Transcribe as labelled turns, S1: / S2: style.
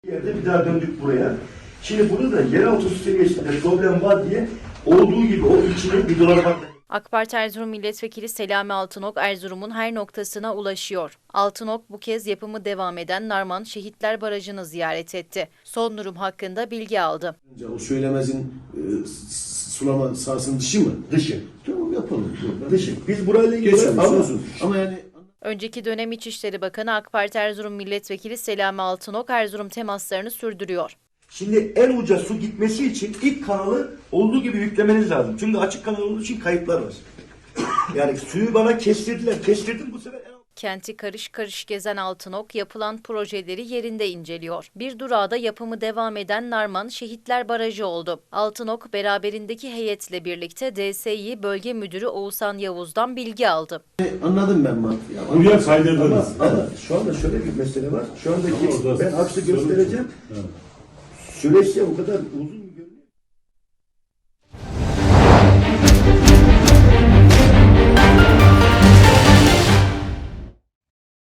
S1: Yerde bir daha döndük buraya. Şimdi burada da yeraltı su seviyesinde problem var diye olduğu gibi o içine bir dolara bak.
S2: AK Parti Erzurum Milletvekili Selami Altınok, Erzurum'un her noktasına ulaşıyor. Altınok bu kez yapımı devam eden Narman Şehitler Barajı'nı ziyaret etti. Son durum hakkında bilgi aldı.
S3: O Söylemez'in sulama sahasının dışı mı?
S1: Dışı.
S3: Tamam yapalım.
S1: Dışı. Biz burayla ilgili
S3: Geçiyoruz
S1: ama
S3: olsun. Ama yani
S2: Önceki dönem İçişleri Bakanı AK Parti Erzurum Milletvekili Selami Altınok, Erzurum temaslarını sürdürüyor.
S1: şimdi en uca su gitmesi için ilk kanalı olduğu gibi yüklemeniz lazım. Çünkü açık kanal olduğu için kayıplar var. Yani suyu bana kestirdiler. Kestirdim bu sefer en
S2: Kenti karış karış gezen Altınok yapılan projeleri yerinde inceliyor. Bir durağı da yapımı devam eden Narman Şehitler Barajı oldu. Altınok beraberindeki heyetle birlikte DSİ Bölge Müdürü Oğuzhan Yavuz'dan bilgi aldı.
S3: anladım ben Mat.
S4: Buraya kaydırdınız.
S1: ama şu anda şöyle bir mesele var. Şu andaki
S4: Ama orada
S1: ben aksı
S4: sorun-
S1: göstereceğim.
S4: Evet.
S1: Süreçte o kadar uzun